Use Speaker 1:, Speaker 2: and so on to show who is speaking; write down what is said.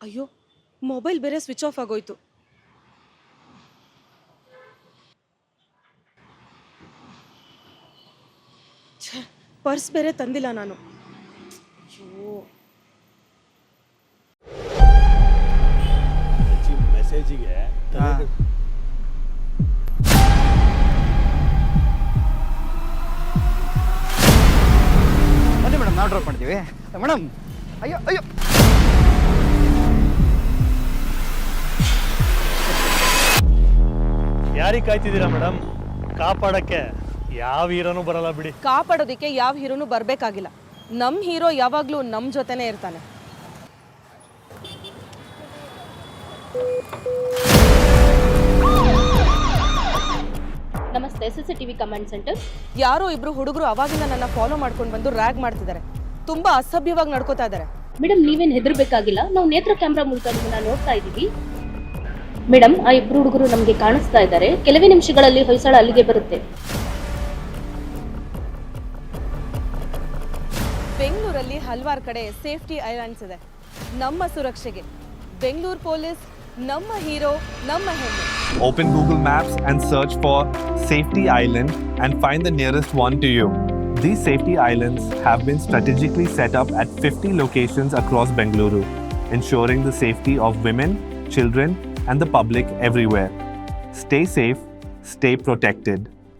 Speaker 1: ಅಯ್ಯೋ, ಮೊಬೈಲ್ ಬೇರೆ switch off ಆಗೋಯ್ತು. ಛೇ, ಪರ್ಸ್ ಬೇರೆ ತಂದಿಲ್ಲ ನಾನು. ಅಯ್ಯೋ,
Speaker 2: ಮೆಸೇಜಿಗೆ
Speaker 3: ಬನ್ನಿ ಮೇಡಮ್, ನಾವು ಡ್ರಾಪ್ ಮಾಡ್ತೀವಿ ಮೇಡಮ್. ಅಯ್ಯೋ ಅಯ್ಯೋ,
Speaker 2: ಯಾರಿಗೆ ಕಾಯ್ತಿದ್ದೀರಾ ಮೇಡಮ್? ಕಾಪಾಡಕ್ಕೆ ಯಾವ ಹೀರೋನು ಬರಲ್ಲ ಬಿಡಿ.
Speaker 1: ಕಾಪಾಡೋದಕ್ಕೆ ಯಾವ ಹೀರೋನು ಬರಬೇಕಾಗಿಲ್ಲ. ನಮ್ಮ ಹೀರೋ ಯಾವಾಗಲೂ ನಮ್ಮ ಜೊತೆನೇ ಇರ್ತಾನೆ.
Speaker 4: ನಮಸ್ತೆ, CCTV ಕಮಾಂಡ್ ಸೆಂಟರ್.
Speaker 1: ಯಾರೋ ಇಬ್ರು ಹುಡುಗರು ಅವಾಗಿಂದ ನನ್ನ ಫಾಲೋ ಮಾಡ್ಕೊಂಡು ಬಂದು ರ್ಯಾಗ್ ಮಾಡ್ತಿದ್ದಾರೆ. ತುಂಬಾ ಅಸಭ್ಯವಾಗಿ ನಡ್ಕೋತಾ ಇದ್ದಾರೆ.
Speaker 4: ಮೇಡಮ್, ನೀವೇನು ಹೆದರ್ಬೇಕಾಗಿಲ್ಲ, ನಾವು ನೇತ್ರ ಕ್ಯಾಮ್ರಾ ಮೂಲಕ ನಿಮ್ಮನ್ನ ನೋಡ್ತಾ ಇದ್ದೀವಿ. ಮೇಡಮ್, ಆ ಇಬ್ರು ಹುಡುಗರು ನಮಗೆ ಕಾಣಿಸ್ತಾ ಇದ್ದಾರೆ. ಕೆಲವೇ ನಿಮಿಷಗಳಲ್ಲಿ ಹೊಯ್ಸಳ ಅಲ್ಲಿಗೆ ಬರುತ್ತೆ.
Speaker 1: ಬೆಂಗಳೂರಲ್ಲಿ ಹಲವಾರು ಕಡೆ ಸೇಫ್ಟಿ ಐಲ್ಯಾಂಡ್ಸ್ ಇದೆ. ನಮ್ಮ ಸುರಕ್ಷೆಗೆ ಬೆಂಗಳೂರು ಪೊಲೀಸ್ ನಮ್ಮ ಹೀರೋ, ನಮ್ಮ ಹೆಮ್ಮೆ.
Speaker 5: Open Google Maps and search for Safety Island and find the nearest one to you. These safety islands have been strategically set up at 50 locations across Bengaluru, ensuring the safety of women, children, and the public everywhere. Stay safe, stay protected.